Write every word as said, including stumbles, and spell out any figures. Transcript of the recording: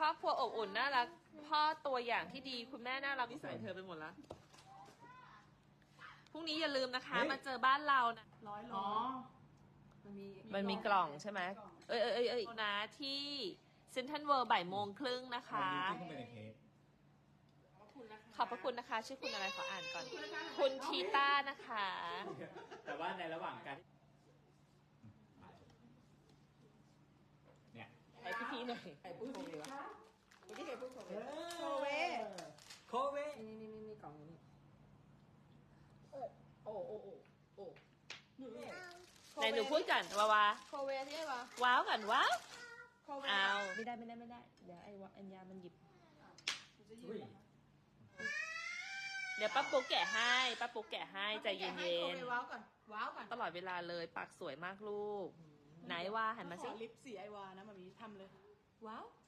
รอบครัวอบอุ่นน่ารักพ่อตัวอย่างที่ดีคุณแม่น่ารักนิสัยเธอไปหมดละพรุ่งนี้อย่าลืมนะคะมาเจอบ้านเรานะร้อยโลมันมีมันมีกล่องใช่ไหมเอ้ยเอ้ยเอ้ยเอ้ยนะที่เซ็นทรัลเวิลด์บ่ายโมงครึ่งนะคะขอบพระคุณนะคะชื่อคุณอะไรขออ่านก่อน คุณทีต้านะคะแต่ว่าในระหว่างการเนี่ยใครพี่ๆหน่อยใครพูดโคเวะเมื่อกี้ใครพูดโคเวโคเวโคเวนี่นี่นี่นี่กล่องนี้โอ้โอ้โอ้โอ้ไหนหนูพูดกันวาวาโคเวที่ไหนวะว้าวกันว้าวโคเวเอาไม่ได้ไม่ได้ไม่ได้เดี๋ยวไอ้วะอัญญามันหยิบเดี๋ยวป้าปุ๊กแกะให้ป้าปุ๊กแกะให้ใจเย็นโคเวว้าวก่อนว้าวก่อนๆตลอดเวลาเลยปากสวยมากลูกไหนว่าหันมาสิลิปสีไอวานะมามีทำเลยว้าว